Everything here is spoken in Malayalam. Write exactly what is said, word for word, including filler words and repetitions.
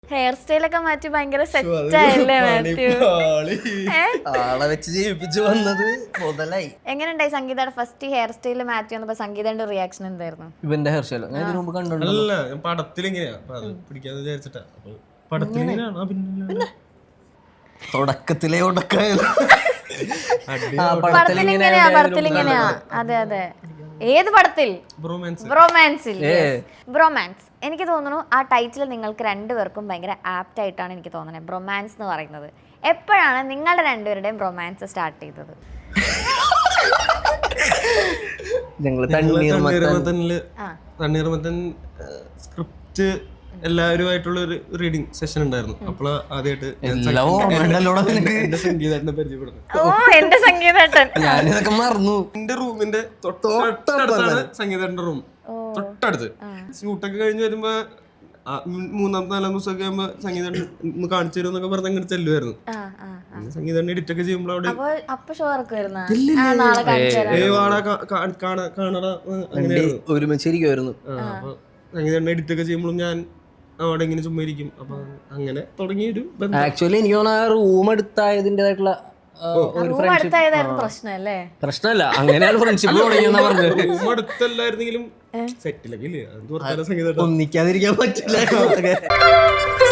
ഹെയർ സ്റ്റൈലൊക്കെ മാറ്റി ഭയങ്കര സെറ്റ് ആയില്ലേ മാത്യു? ആളെ വെച്ച് ജീവിപ്പിച്ചു വന്നത് മുതലായി. എങ്ങനെയുണ്ടായി സംഗീതയുടെ ഫസ്റ്റ് ഹെയർ സ്റ്റൈൽ മാറ്റി വന്നപ്പോ സംഗീതയുടെ റിയാക്ഷൻ എന്തായിരുന്നു? ഇവന്റെ ഹെയർ സ്റ്റൈൽ ഞാൻ ഇതിനു മുമ്പ് കണ്ടു. പടത്തിൽ ഇങ്ങനെയാ പിടിക്കാന്ന് വിചാരിച്ചിട്ടാ. പടത്തിൽ പിന്നെ തുടക്കത്തിലെ ഉടക്കായത് പടത്തിലിങ്ങനെയാ പടത്തിലിങ്ങനെയാ അതെ അതെ. ഏത് പടത്തിൽ? ബ്രോമാൻസിൽ. ബ്രോമാൻസ് എനിക്ക് തോന്നുന്നു ആ ടൈറ്റിൽ നിങ്ങൾക്ക് രണ്ടുപേർക്കും ഭയങ്കര ആപ്റ്റ് ആയിട്ടാണ് എനിക്ക് തോന്നുന്നത്. ബ്രോമാൻസ് എന്ന് പറയുന്നത് എപ്പോഴാണ് നിങ്ങളുടെ രണ്ടുപേരുടെയും ബ്രോമാൻസ് സ്റ്റാർട്ട് ചെയ്തത്? തണ്ണീർമത്തൻ സ്ക്രിപ്റ്റ് എല്ലാവരുമായിട്ടുള്ള ഒരു റീഡിങ് സെഷൻ ഉണ്ടായിരുന്നു. അപ്പോൾ ആദ്യമായിട്ട് എന്റെ സംഗീതേട്ടനെ പരിചയപ്പെടുന്നു. ഓ എന്റെ സംഗീതേട്ടൻ. ഞാനിതൊക്കെ മറന്നു. എന്റെ റൂമിന്റെ തൊട്ടടുത്താണ് സംഗീതേട്ടന്റെ റൂം, തൊട്ടടുത്ത്. ഷൂട്ടൊക്കെ കഴിഞ്ഞ് വരുമ്പോ മൂന്നാമത്തെ നാലാം ദിവസമൊക്കെ ആകുമ്പോ സംഗീതേട്ടൻ ഒന്ന് കാണിച്ചു തരും എന്നൊക്കെ പറഞ്ഞ് അങ്ങോട്ട് ചെല്ലുമായിരുന്നു. സംഗീതേട്ടൻ എഡിറ്റ് ഒക്കെ ചെയ്യുമ്പോൾ അവിടെ കാണാ അങ്ങനെയായിരുന്നു, ഒരുമിച്ചിരിക്കുമായിരുന്നു. അപ്പൊ സംഗീതേട്ടൻ എഡിറ്റ് ഒക്കെ ചെയ്യുമ്പോഴും ഞാൻ അവിടെ ഇങ്ങനെ ചുമ്മാ ഇരിക്കും. അപ്പൊ അങ്ങനെ തുടങ്ങിയൊരു ആക്ച്വലി എനിക്ക് തോന്നുന്നു റൂം എടുത്തായതിൻ്റെതായിട്ടുള്ള പ്രശ്നമല്ല, അങ്ങനെയാണ് ഫ്രണ്ട്ഷിപ്പ് തുടങ്ങിയെന്നാ പറഞ്ഞത്. റൂം അടുത്തല്ലായിരുന്നെങ്കിലും സെറ്റിലൊക്കെ ഇല്ലേ, സംഗീതം ഒന്നിക്കാതിരിക്കാൻ പറ്റില്ല.